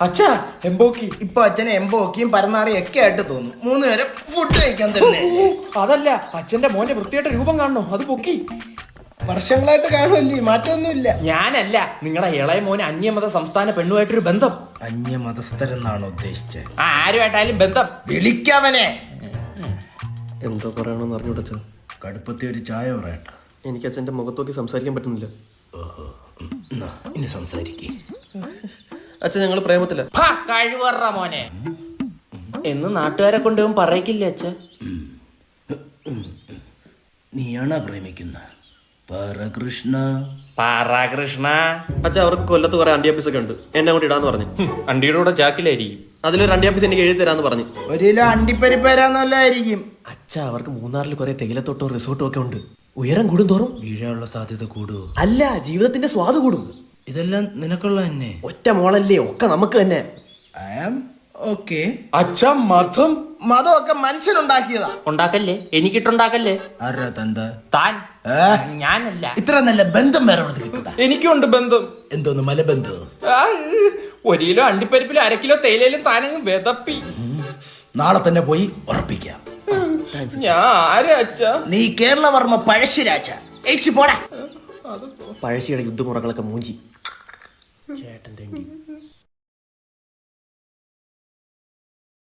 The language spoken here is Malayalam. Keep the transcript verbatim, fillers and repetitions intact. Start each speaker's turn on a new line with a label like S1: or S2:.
S1: അച്ഛാ എംബോക്കി.
S2: ഇപ്പൊ അച്ഛനെ എംബോക്കിയും പരന്നാറിയും ഒക്കെ ആയിട്ട് തോന്നും. മൂന്ന് നേരം ഫുഡ് കഴിക്കാൻ തന്നെ.
S1: അതല്ല, അച്ഛന്റെ മോന്റെ വൃത്തിയായിട്ട് രൂപം കാണണോ, അത് പൊക്കി.
S2: വർഷങ്ങളായിട്ട് കാണുമല്ലേ, മാറ്റമൊന്നുമില്ല.
S1: ഞാനല്ല, നിങ്ങളുടെ ഇളയ മോന് അന്യമത സംസ്ഥാന പെണ്ണുമായിട്ടൊരു ബന്ധം.
S2: അന്യമതസ്ഥരെന്നാണ് ഉദ്ദേശിച്ചത്?
S1: ആ ആരുമായിട്ടായാലും ബന്ധം.
S2: വിളിക്കവനെ.
S3: എന്തോ പറയണമെന്ന് അറിഞ്ഞൂടച്ച.
S2: കടുപ്പത്തി ഒരു ചായ പറയട്ടെ.
S3: എനിക്ക് അച്ഛൻ്റെ മുഖത്തോക്കി സംസാരിക്കാൻ പറ്റുന്നില്ല.
S2: ഓഹോ, ഇനി സംസാരിക്കേ.
S3: അച്ഛൻ ഞങ്ങൾ പ്രേമത്തില്ല.
S1: കഴിവറ മോനെ എന്ന് നാട്ടുകാരെ കൊണ്ടുപോകും പറയിക്കില്ലേ അച്ഛ?
S2: നീയാണോ പ്രേമിക്കുന്ന പരകൃഷ്ണ?
S1: പാറാകൃഷ്ണ
S3: അച്ഛൻ അവർക്ക് കൊല്ലത്ത് കുറെ അണ്ടിയാപ്പീസ് ഒക്കെ ഉണ്ട്, എന്നെ അങ്ങോട്ട് ഇടാന്ന് പറഞ്ഞു.
S1: അണ്ടിയുടെ കൂടെ ചാക്കിലായിരിക്കും.
S3: അതിലൊരു അണ്ടിയാപ്പീസ് എനിക്ക് എഴുതി തരാന്ന് പറഞ്ഞു.
S2: ഒരു കിലോ അണ്ടിപ്പരിപ്പരാന്നല്ലായിരിക്കും.
S3: അച്ഛ അവർക്ക് മൂന്നാറിൽ കുറെ തേയിലത്തോട്ടോ റിസോർട്ടോ ഒക്കെ ഉണ്ട്. ഉയരം കൂടും തോറും
S2: വീഴാനുള്ള സാധ്യത കൂടുവോ?
S3: അല്ല, ജീവിതത്തിന്റെ സ്വാദ് കൂടും.
S2: ഇതെല്ലാം നിനക്കുള്ള തന്നെ.
S3: ഒറ്റ മോളല്ലേ, ഒക്കെ നമുക്ക് തന്നെ.
S2: I am okay.
S1: അച്ഛ മതം
S2: മതമൊക്കെ മനുഷ്യനുണ്ടാക്കിയതാ.
S1: ഉണ്ടാക്കല്ലേ, എനിക്കിട്ടുണ്ടാക്കല്ലേ.
S2: ആരാ തന്ത?
S1: താൻ.
S2: ഏ?
S1: ഞാനല്ല.
S2: ഇത്ര നല്ല ബന്ധം വേറെ എവിടെ കിട്ടൂടാ.
S1: എനിക്കുണ്ട് ബന്ധം.
S2: എന്തോന്ന് മലബന്ധം?
S1: ആ, ഒരു കിലോ അണ്ടിപ്പരിപ്പിലും അര കിലോ തേയിലയിലും താനങ്ങ് വിതപ്പി.
S2: നാളെ തന്നെ പോയി ഉറപ്പിക്കാം.
S1: ഞാൻ ആരാ അച്ഛ?
S2: നീ കേരളവർമ്മ പഴശ്ശിരാജ. പോടാ.
S3: പഴശ്ശിയുടെ യുദ്ധമുറകളൊക്കെ മൂഞ്ചി.
S2: ചേട്ടൻ തെണ്ടി.